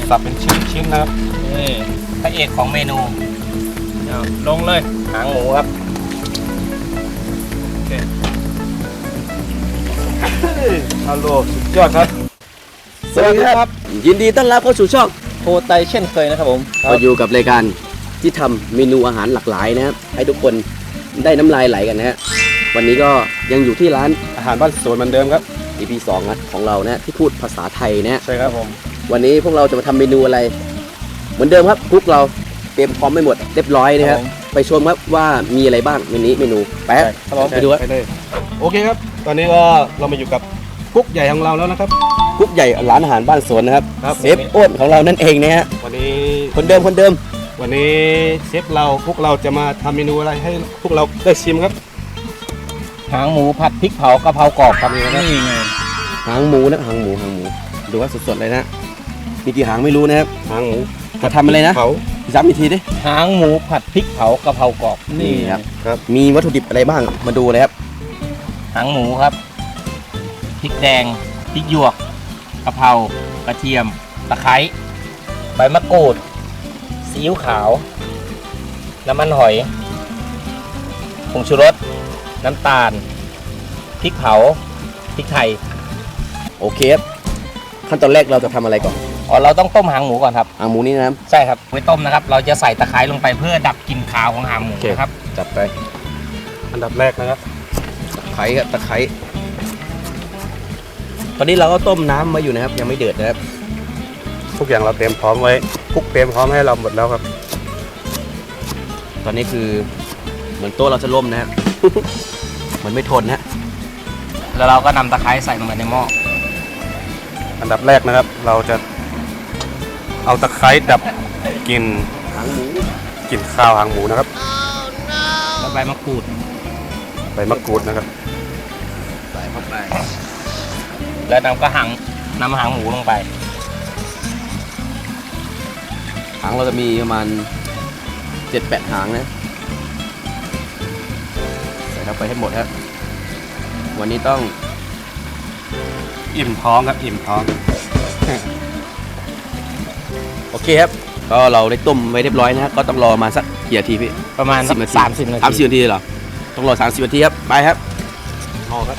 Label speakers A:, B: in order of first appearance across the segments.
A: สับเป็นชิ้นๆนะครับ
B: นี่พระเอกของเมนู
A: ลงเลย
B: หางหมูครับ
A: โอเคฮัลโหลสุดยอดครับ
C: สวัสดีครับยินดีต้อนรับเข้าสู่ช่อง
B: โคไตเช่นเคยนะครับผม
C: เราอยู่กับรายการที่ทำเมนูอาหารหลากหลายนะครับให้ทุกคนได้น้ำลายไหลกันนะฮะวันนี้ก็ยังอยู่ที่ร้าน
A: อาหารบ้านสวนเหมือนเดิมครับ
C: EP 2นะของเรานะที่พูดภาษาไทยนะ
A: ใช่ครับผม
C: วันนี้พวกเราจะมาทำเมนูอะไรเหมือนเดิมครับกุ๊กเราเตรียมพร้อมไม่หมดเรียบร้อยนะครับไปชมครับว่ามีอะไรบ้างเมนูไปไปดูครับ
A: โอเคครับตอนนี้ก็เรามาอยู่กับกุ๊กใหญ่ของเราแล้วนะครับ
C: กุ๊กใหญ่ร้านอาหารบ้านสวนนะครับเชฟอ้นของเรานั่นเองนะฮะ
A: วันนี้
C: คนเดิม
A: วันนี้เชฟเราพวกเราจะมาทำเมนูอะไรให้พวกเราได้ชิมครับ
B: หางหมูผัดพริกเผากะเพรากรอบครับนี่ไง
C: หางหมูนะหางหมูดูว่าสดๆเลยนะมีกี่หางไม่รู้นะครับ
A: หางหมู
C: จะทำอะไรนะย้ำอีกทีดิ
B: หางหมูผัดพริกเผากะเพรากรอบ
C: นี่ครับมีวัตถุดิบอะไรบ้างมาดูเลยครับ
B: หางหมูครับพริกแดงพริกหยวกกะเพรากระเทียมตะไคร้ใบมะกรูดซีอิ๊วขาวน้ำมันหอยผงชูรสน้ำตาลพริกเผาพริกไทย
C: โอเคครับขั้นตอนแรกเราจะทำอะไรก่อน
B: เราต้องต้มหางหมูก่อนครับ
C: หางหมูนี่นะ
B: ใช่ครับไว้ต้มนะครับเราจะใส่ตะไคร้ลงไปเพื่อดับกลิ่นคาวของหางหมูนะครับ
C: จัดไป
A: อันดับแรกนะครับ
C: ตะไคร้ตอนนี้เราก็ต้มน้ำไว้อยู่นะครับยังไม่เดือดนะครับ
A: ทุกอย่างเราเตรียมพร้อมไว้กุ๊กเตรียมพร้อมให้เราหมดแล้วครับ
C: ตอนนี้คือเหมือนโต๊ะเราจะล่มนะครับ มันไม่ทนนะ
B: แล้วเราก็นำตะไคร้ใส่ลงไปในหม้อ
A: อันดับแรกนะครับเราจะเอาตะไคร้ดับกลิ่น
C: หางหมู
A: กลิ่นข้าวหางหมูนะครับ
B: แล้วใบมะกรูด
A: นะครับ
C: ใส่เข้าไป
B: แล้วเราก็นำหางหมูลงไป
C: หางเราจะมีประมาณ 7-8 หางนะใส่เข้าไปให้หมดครับวันนี้ต้อง
A: อิ่มท้องครับอิ่มท้อง
C: โอเคครับก็เราได้ต้มไว้เรียบร้อยนะครับก็ต้องรอมาสักกี่นาทีพี่
B: ประมาณ30 นาที
C: 30 นาทีเหรอต้องรอ30 นาทีครับไปครับ
A: รอครับ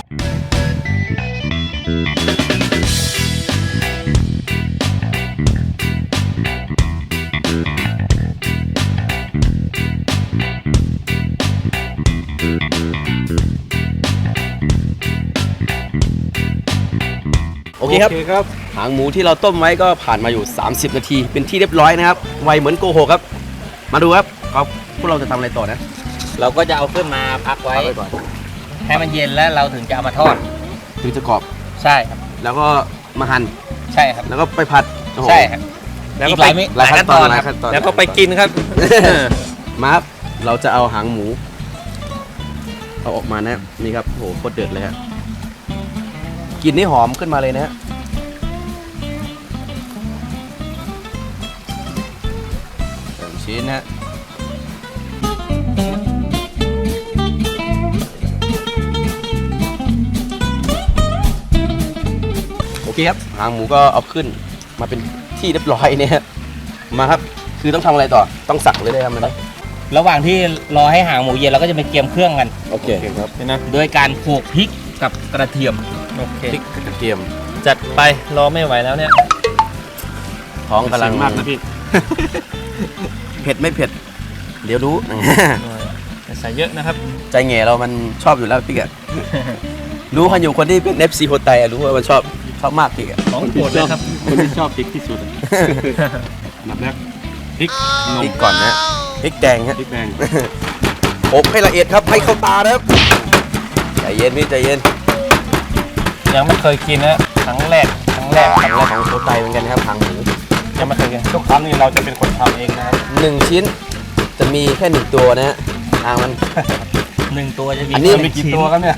C: โอเคครับหางหมูที่เราต้มไว้ก็ผ่านมาอยู่30 นาทีเป็นที่เรียบร้อยนะครับไวเหมือนโกหกครับมาดูครับพวกเราจะทำอะไรต่อนะ
B: เราก็จะเอาขึ้นมาพักไว้ก่อนให้มันเย็นแล้วเราถึงจะเอามาทอด
C: ถึงจะกรอบ
B: ใช่ครับ
C: แล้วก็มาหั่น
B: ใช่ครับ
C: แล้วก็ไปผัด
B: ใช่ครับ
C: แล้วก็หลายขั้นตอน
B: แล้วก็ไปกินครับ
C: มาครับเราจะเอาหางหมูเอาออกมานะนี่ครับโหโคตรเดือดเลยครับกลิ่นนี่หอมขึ้นมาเลยนะฮะชิ้นนะโอเคครับหางหมูก็เอาขึ้นมาเป็นที่เรียบร้อยเนี่ยมาครับคือต้องทำอะไรต่อต้องสักเลยได้ทำอะไร
B: ระหว่างที่รอให้หางหมูเย็นเราก็จะไปเตรียมเครื่องกัน
C: โอเคครับ
B: นะโดยการโขลกพริกกับกระเทียม
C: โอเคพริกกระเทียม
B: จัดไปรอไม่ไหวแล้วเนี่ย
C: ท้องกำลัง
A: มากนะพี่
C: เผ็ดไม่เผ็ดเดี๋ยวรู้
B: ใส่เยอะนะครับ
C: ใจแง่เรามันชอบอยู่แล้วพี่แกรู้กันอยู่คนที่เป็น FC โฮไตรู้ว่ามันชอบมากพี่แก
B: ของโปรดเลยครับ
A: คนที่ชอบพริกที่สุดอันดับแรกพริก
C: ก่อนนะพริกแดงฮะ
A: พริกแดง
C: อบให้ละเอียดครับให้เข้าตานะครับใจเย็นพี่ใจเย็น
B: ยังไม่เคยกินนะครั้งแรกของ
C: โฮไตเหมือนกันครับหางหมู
B: ยังไม่เคยกิน
A: ทุกครั้งนี้เราจะเป็นคนทำเองนะครับ
C: 1 ชิ้นจะมีแค่1 ตัวนะฮะมัน
B: 1 ตัวจะมี
C: อันนี้
A: มีกี่ตัวครับเนี่ย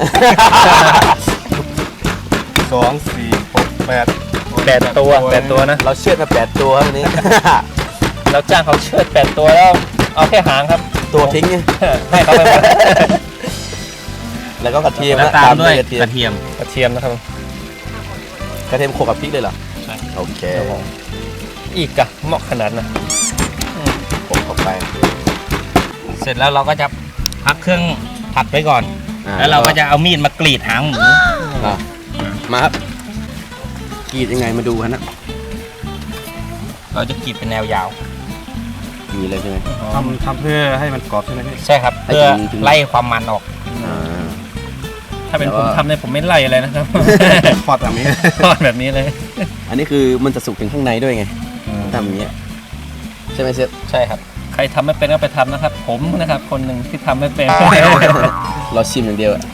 A: 2 4 6 8
B: ตัวนะ
C: เราเชือดมา8 ตัวครับวันนี้
B: เราจ้างเขาเชือด8 ตัวแล้วเอาแค่หางครับ
C: ตัวทิ้ง
B: ให้เขาไปหมด
C: แล้วก็กระเทียม
B: ตามด้วยกระเทียมนะครับ
C: กระเทียมโขลกกับพริกเลยเหรอ
B: ใช่
C: โอเค
B: อีกอะเหมาะขนาดนะ
C: ผมเข้าไป
B: เสร็จแล้วเราก็จะพักเครื่องผัดไว้ก่อน แล้วเราก็จะเอามีดมากรีดหางหมู
C: มาครับกรีดยังไงมาดูกันนะ
B: เราจะกรีดเป็นแนวยาว
C: มีเลยใช่ไหม
A: ทำเพื่อให้มันกรอบใช่ไหมพี่
B: ใช่ครับ
C: ให้
B: เพื่อ
C: ถึง
B: ไล่ความมันออก
C: อ่า
D: ถ้าเป็น
C: แต่
D: ผม
C: ว่า
D: ทำเนี่ยผมไม่ไล่อะไรนะครับ
A: ทอดแบบนี้
D: ทอดแบบนี้เลย
C: อันนี้คือมันจะสุกถึงข้างในด้วยไงทำอย่างเงี้ยใช่ไหมเชฟ
B: ใช่ครับ
D: ใครทำไม่เป็นก็ไปทำนะครับ ผมนะครับ คนหนึ่งที่ทำไม่เป็น
C: เราชิมอย่างเดียวอะ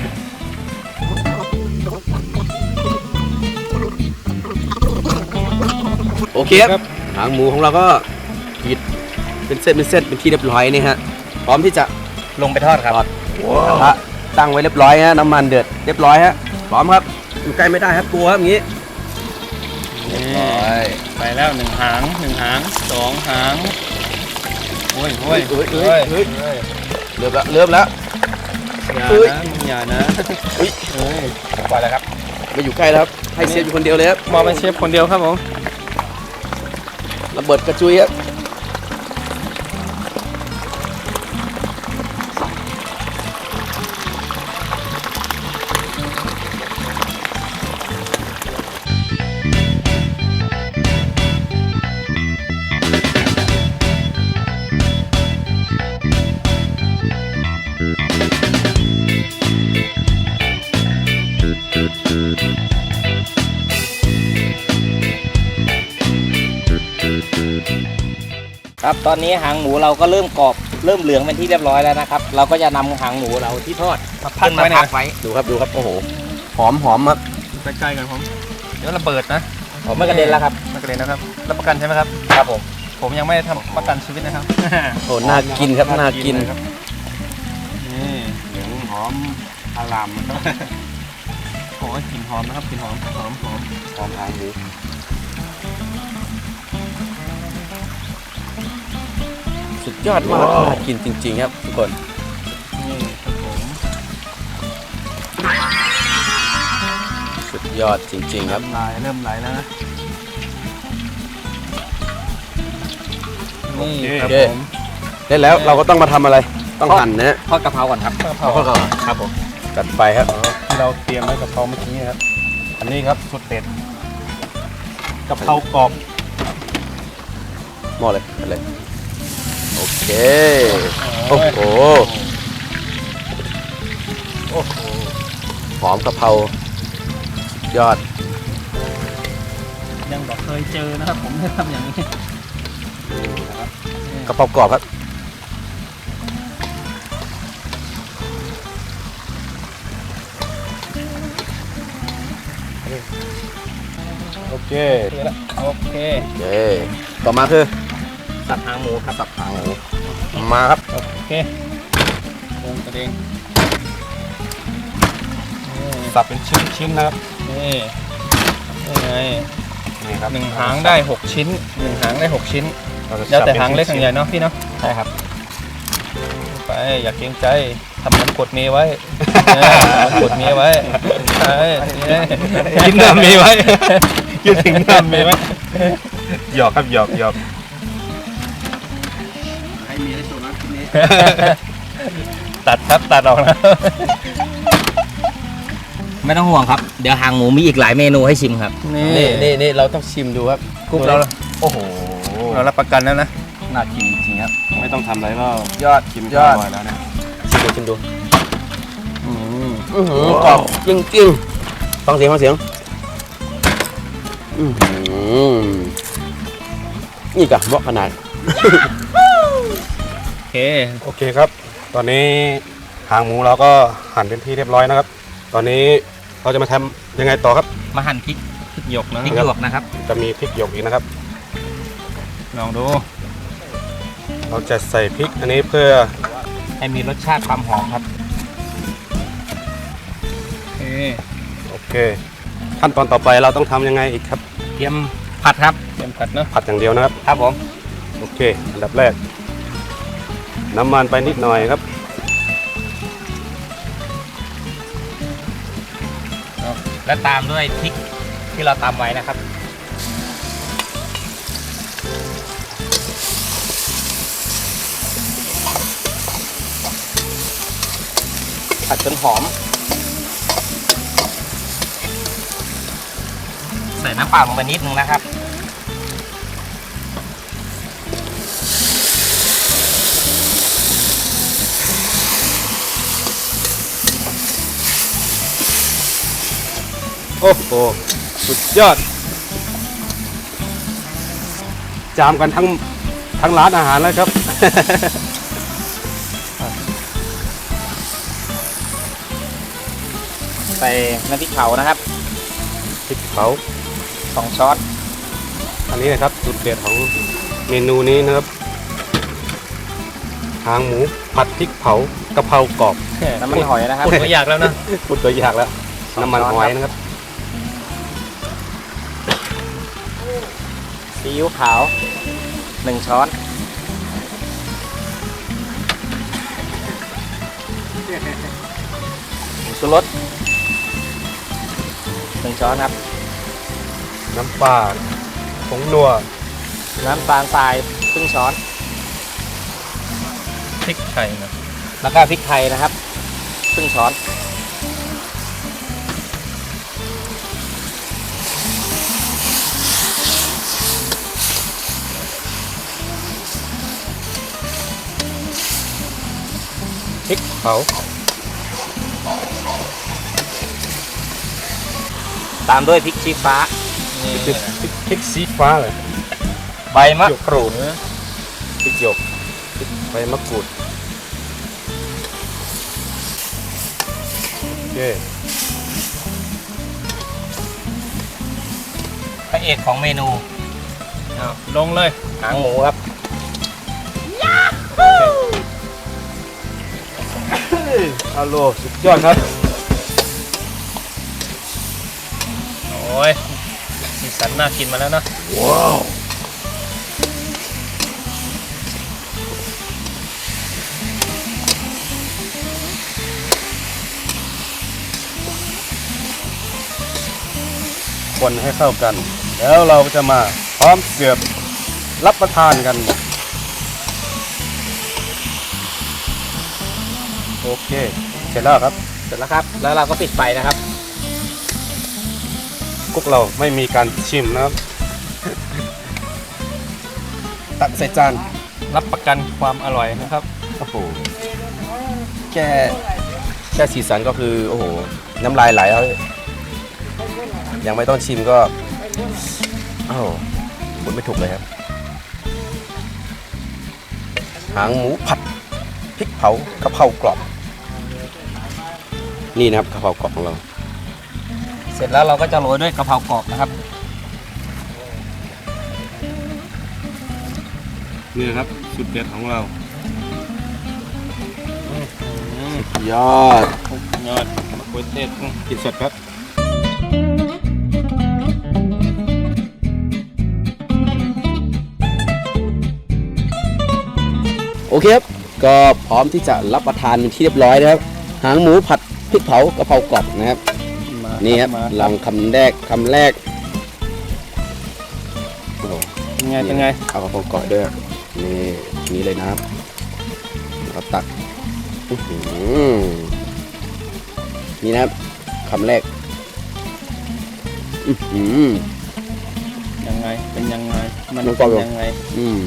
C: โอเคครับหางหมูของเราก็กรีดเป็นเส้นเป็นที่เรียบร้อยนี่ฮะพร้อมที่จะ
B: ลงไปทอดครับ
C: ทอดกระทะตั้งไว้เรียบร้อยฮะน้ำมันเดือดเรียบร้อยฮะพร้อมครับอยู่ใกล้ไม่ได้ครับกลัวครับอย่างงี้เรียบร้อย
D: ไปแล้ว1 หาง 1 หาง 2 หางโอ้ยโอ้ย
C: เฮ้ยเริ่มแล้ว
D: อย่า
C: เฮ้ย
D: นะอย่านะ
C: เฮ้ย
D: เฮ้ย
B: ปล่อยแล้วครับ
C: มาอยู่ใกล้แล้วครับให้เชฟอยู่คนเดียวเลยครับ
D: มองเป็นเชฟคนเดียวครับผม
C: ระเบิดกระจุยครับ
B: ครับตอนนี้หางหมูเราก็เริ่มกรอบเริ่มเหลืองเป็นที่เรียบร้อยแล้วนะครับ เราก็จะนำหางหมูเราที่ทอด
D: มาพัก
B: ขึ้นมา
D: ไว้
B: พั
D: นะ
B: กไว้
C: ดูครับโอ้โหหอมครับ
D: ใกล้ๆกันผม เดี๋ยวระเบิดนะ
B: ผมไม่กระเด็นแล้วครับ
D: มากระเด็นนะครับ รับประกันใช่ไหมครับ
B: ครับผม
D: ผมยังไม่ได้ทำประกันชีวิตนะครับ
C: โอ้น่ากินครับน่ากิน
D: เลยครับนี่
A: เหลืองหอมอารามนะครับ
D: โอ้ยกลิ่นหอมนะครับกลิ่นหอมหอม
A: หอมหางหมู
C: สุดยอดมากน่ากินจริงๆครับทุกคน
D: นี่ครับผม
C: สุดยอดจริงๆครับ
D: เริ่มไหลแล้วนะนี่ครับ
C: โอเค
D: ผม
C: ได้แล้วเราก็ต้องมาทำอะไรต้องหั่นนะฮะ
B: ทอดกะเพราก่อนครับ
D: กะเพรา
B: ครับผม
C: จัดไปครับ
A: ที่เราเตรียมไว้กับเพราเมื่อกี้ครับ อันนี้ครับสุดเด็ดกะเพรากรอบ
C: หม้อเลยไปเลยโอเคโอ้โห
D: โอ้โห
C: หอมกะเพราสุดยอด
D: ยังบอกเคยเจอนะครับผมได้ทำอย่างนี้
C: กะเพรากรอบครับ
A: โอเค
D: โอเค
C: โอเคต่อมาคือ
B: สับหางหมูครับ
C: สับหางหมูมาครับ
D: โอเคลงกระเด้ง
A: สับเป็นชิ้นๆนะครับ
D: นี่นี่ไง
A: นี่ครับ
D: 1 หางได้ 6 ชิ้น 1 หางได้ 6 ชิ้น
A: เราจะ
D: แล้วแต่
A: สับ
D: หางเล็ก
A: ป็น
D: หาง
A: ชิ้นๆ
D: ใหญ่เนาะพี่เนาะ
B: ใช่ครับ
D: ไปอย่าเกรงใจทำเหมือนกดเมย์ไว้กดเมย์ไว้ใช่นี่
A: กินน้ำมีไว้ คิดถึงน้ำมีไว้หยอกครับหยอก
C: ให้มีให้โชว์นะทีนี้
D: ตัดครับตัดออกนะ
B: ไม่ต้องห่วงครับ เดี๋ยวหางหมูมีอีกหลายเมนูให้ชิมครับ
C: นี่เราต้องชิมดูครับ
D: กรุ๊ปเรา
A: โอ้โห
D: เรารับประกันแล้วนะ
C: น่ากินจริงๆครับ
A: ไม่ต้องทำอะไรก็
D: ยอด
A: กิน
D: ยอด
A: ร่อยแล้วเนี่ย
C: ชิมดูกรอบจริงๆฟังเสียงนี่กะเหมาะขนาด
D: โอเค
A: โอเคครับ ตอนนี้หางหมูเราก็หั่นเป็นที่เรียบร้อยนะครับ ตอนนี้เราจะมาทำยังไงต่อครับ
B: มาหั่นพริก
D: หยกนะ
B: พริกหยวกนะครับ
A: จะมีพริกหยวกอีกนะครับ
D: ลองดู
A: เราจะใส่พริกอันนี้เพื่อ
B: ให้มีรสชาติความหอมครับ
D: โอเค
A: โอเค ขั้นตอนต่อไปเราต้องทำยังไงอีกครับ
B: เตรียมผัดครับ
D: เตรียมผัดเนาะ
A: ผัดอย่างเดียวนะครับ
B: ครับผม
A: โอเค อันดับแรก น้ำมันไปนิดหน่อยครับ
B: และตามด้วยพริกที่เราตำไว้นะครับผัดจนหอม ใส่น้ำเปล่าลงไปนิดนึงนะครับ
A: โอ้โหสุดยอด จามกันทั้งร้านอาหารแล้วครับ
B: ใส่น้ำพริกเผานะครับ
A: พริกเผา
B: 2 ช้อน
A: อันนี้นะครับจุดเด่นของเมนูนี้นะครับหางหมูผัดพริกเผากะเพรากรอบ
B: น้ำมันหอยนะครับ
D: พูดไม่อยากแล้วนะ
A: พูดตัวอยากแล้ว น้ำมันหอยนะครับ
B: ซีอิ๊วขาว 1 ช้อน ผงชูรส 1 ช้อนครับ
A: น้ำปลาผงนัว
B: น้ำตาลทรายครึ่งช้อน
D: พริกไทยนะ
B: แล้วก็พริกไทยนะครับครึ่งช้อน
A: พริกเผา
B: ตามด้วยพริกชี้ฟ้า
D: นี่
A: พริกสีฟ้าเลย
B: ใบมะกรูด
A: พริกหยกพริกใบมะกรูดโอเค
B: พระเอกของเมนู
D: เอาลงเลย
B: หางหมูครับ
A: ฮัลโหลสุดยอดครับ
D: โอ้ยสีสันน่ากินมาแล้วนะ
A: ว้าวคนให้เข้ากัน แล้วเราจะมาพร้อมเสิร์ฟรับประทานกัน โอเค เสร็จแล้วครับ
B: เสร็จแล้วครับ แล้วเราก็ปิดไฟนะครับ
A: กุ๊กเราไม่มีการชิมนะครับ ตักใส่จาน
D: รับประกันความอร่อยนะครับ
C: โอ้โหแค่สีสันก็คือโอ้โหน้ำลายไหลแล้วยังไม่ต้องชิมก็โอ้โหพูดไม่ถูกเลยครับหางหมูผัดพริกเผากะเพรากรอบนี่นะครับกะเพรากรอบของเรา
B: เสร็จแล้วเราก็จะโรยด้วยกะเพรากรอบนะครับ
A: นี่นะครับสุดเด็ดของเรา
C: ยอด
D: ยอดมะเขือเทศ
A: กินสดครับ
C: โอเคครับก็พร้อมที่จะรับประทานเป็นที่เรียบร้อยนะครับหางหมูผัดพริกเผากะเพรากรอบนะครับ
D: มา
C: นี่ครับ
D: มา
C: ลองคำแรกโอ้โห
D: เป็นไงเป็นไง
C: เอากระเพรากรอบด้วยนี่เลยนะครับเราตักอื้อหือนี่นะครับคำแรกอื้อหือ
D: ยังไงเป็นยังไงมัน
C: น้องกร
D: เป็
C: อบ
D: นยังไง
C: อืม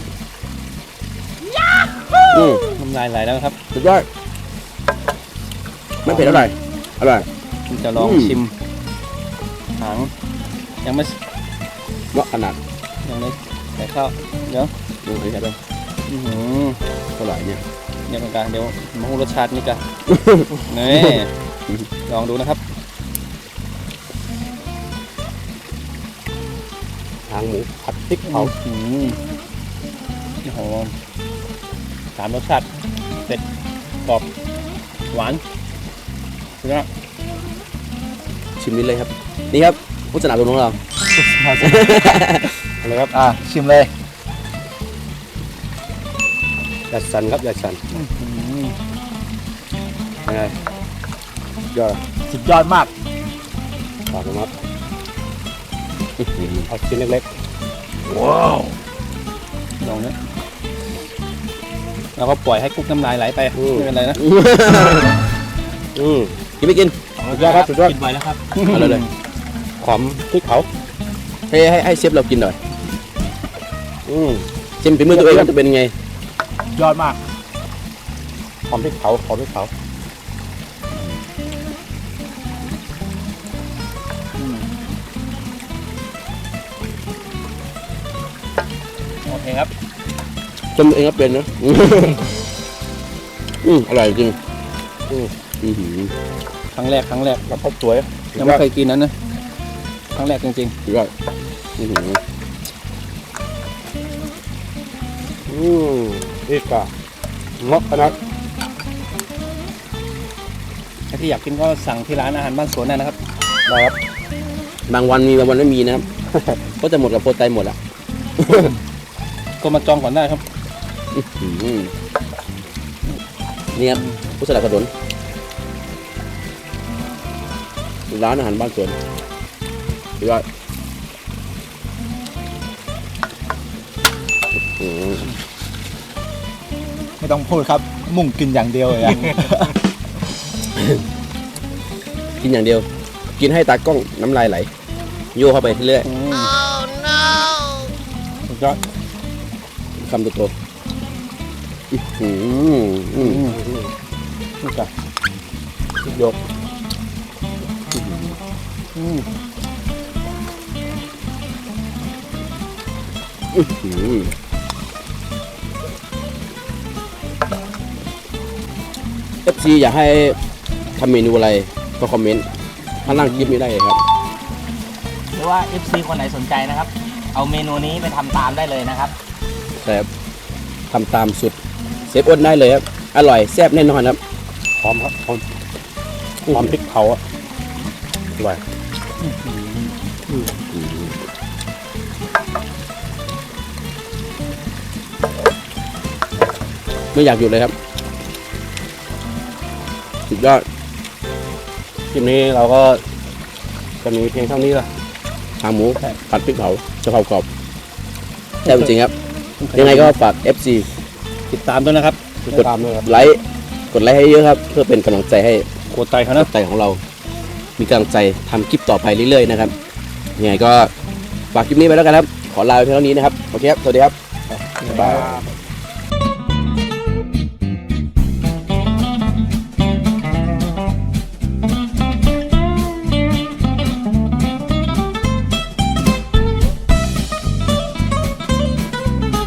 D: น้ำลายไหลแล้วครับ
C: สุดยอดไม่เผ็ดเท่าไหร่อร่อย
D: ผมจะลอง
C: อืม
D: ชิมหางยังไม่
C: เหมาะขนาด
D: ยังไม่ใส่ข้าวเดี๋ยว
C: ดูให้ครับ
D: อื้อหือ
C: อร่อยเนี่ย
D: เดี๋ยวกันเดี๋ยวมาหูรสชาตินี่กัน นี่ลองดูนะครับ
A: หางหมูผัดพริกเผา
D: อื้อหือโอ้โหสามรสชาติเผ็ดกรอบหวานสุดยอด
C: ชิมนิดเลยครับ นี่ครับผู้สนับสนุนของเรา
A: อะไรครับ
B: ชิมเลย
A: ยัดสันครับยัดสัน
D: อื้อหือ
A: ยังไงยอด
B: สุดยอดมาก
A: ฝากนะครับ
C: อื้อหือ
A: เอาชิ้นเล็ก
D: ลองนะเราก็ปล่อยให้กุ๊กน้ำลายไหลไปไม่เป็นไรนะ
A: ๆ
C: กินไม่กิน
A: สุดยอดครับสุดยอด
D: กินไว้แล้วครับ
C: เอาเลย
A: หอมพริกเผา
C: ให้เชฟเรากินหน่อยชิมฝีมือตัวเองว่าจะเป็นยังไง
D: ยอดมาก
A: หอมพริกเผาหอมพริกเผา
D: โอเคครับ
C: ชมตัวเองก็เป็นนะอร่อยจริง
D: ครั้งแรก
A: แล้วก็สวย
D: ยังไม่เคยกินนั้นนะครั้งแรกจริง
C: สุดยอด
A: นี่ก็งอกนะ
D: ๆถ้าที่อยากกินก็สั่งที่ร้านอาหารบ้านสวนได้นะครับ
A: นะครับ
C: บางวันมีบางวันไม่มีนะครับ ก็จะหมดกับโปรไตหมดอ่ะ
D: ก็มาจองก่อนได้ครับ
C: นี่ครับผู้สนับสนุนร้านอาหารบ้านสวนสุดยอด
E: ไม่ต้องพูดครับ มุ่งกินอย่างเดียวเลยอะ
C: กินอย่างเดียว กินให้ตากล้องน้ำลายไหลโยเข้าไปเรื่อย
D: สุดยอด
C: คำโตๆ
D: นี่จ้ะ
A: ยก
C: FC อยากให้ทำเมนูอะไรก็คอมเมนต์ข้างล่างคลิปนี้ได้เลยครับ
B: หรือว่า FC คนไหนสนใจนะครับ เอาเมนูนี้ไปทำตามได้เลยนะครับ
C: แต่ทำตามสุดเซฟอ้นได้เลยครับอร่อยแซ่บแน่นอนครับ
A: หอมครับหอมพริกเผาอ่ะอร่อย
C: ไม่อยากหยุดเลยครับสุดยอด
A: คลิปนี้เราก็จะมีเพียงเท่านี้ละ
C: หางหมูผัดพริกเผากะเพรากรอบแซ่บจริงๆครับ ยังไงก็ฝาก FC
D: ติดตามด้วยนะครับ
A: ติดตามด้วยครับ
C: ไลค์กดไลค์ให้เยอะครับ เพื่อเป็นกำลังใจให้
D: โคตรไตเขานะ
C: ใจของเรา มีกำลังใจทำคลิปต่อไปเรื่อยๆนะครับยังไงก็ฝากคลิปนี้ไปแล้วกันครับ ขอลาไปเพียงเท่านี้นะครับโอเคครับสวัสดีครับ
A: บ๊ายบาย